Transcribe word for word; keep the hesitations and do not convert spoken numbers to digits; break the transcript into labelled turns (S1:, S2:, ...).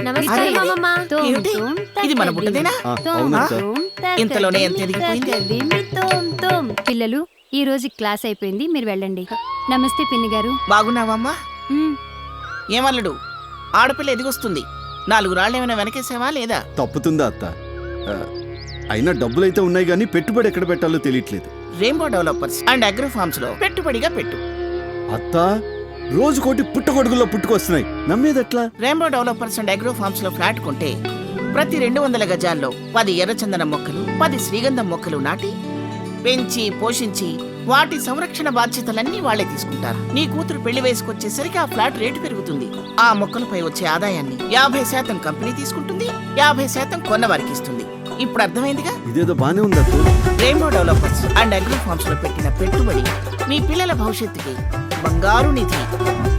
S1: నమస్తే మామమ్మ.
S2: ఏమిటి? ఇది మన బుట్టదేనా?
S3: ఆ, అవునత్త.
S2: ఇంతలోనే ఎంత ఎదిగిపోయింది?
S1: పిల్లలు ఈ రోజు క్లాస్ అయిపోయింది, మీరు వెళ్ళండి. నమస్తే పిన్ని గారు.
S2: బాగున్నావమ్మా?
S1: ఉమ్,
S2: ఏమల్లుడు, ఆడపిల్ల ఎదిగొస్తుంది. నాలుగు రాళ్ళు ఏమైనా వెనకేసావా లేదా?
S3: తప్పుతుందా అత్త? ఆ, అయినా డబ్బులైతే ఉన్నాయి కానీ పెట్టుబడి ఎక్కడ పెట్టాలో తెలియట్లేదు.
S2: Rainbow developers and agro forms లో పెట్టుబడిగా పెట్టు.
S3: అత్త, రోజు కోటి పుట్టగొడుగుల్లో పుట్టుకొస్తున్నాయి, నమ్మేదెట్లా?
S2: Rainbow developers and agro forms లో ఫ్లాట్ కొంటే ప్రతి రెండు వందల గజాల్లో పది ఎర్రచందనం మొక్కలు, పది శ్రీగంధం మొక్కలు నాటి పెంచి పోషించి వాటి సంరక్షణ బాధ్యతలన్నీ వాళ్లే తీసుకుంటారు. నీ కూతురు పెళ్లి వయసుకొచ్చేసరికి ఆ ఫ్లాట్ రేటు పెరుగుతుంది. ఆ మొక్కలపై వచ్చే ఆదాయాన్ని యాభై శాతం కంపెనీ తీసుకుంటుంది, యాభై శాతం కొన్నవారికి ఇస్తుంది. ఇప్పుడు అర్థమైందిగా?
S3: ఇదేదో బానే ఉంది అత్త.
S2: Rainbow developers and agro forms లో పెట్టిన పెట్టుబడి మీ పిల్లల భవిష్యత్తుకి బంగారు నిధి.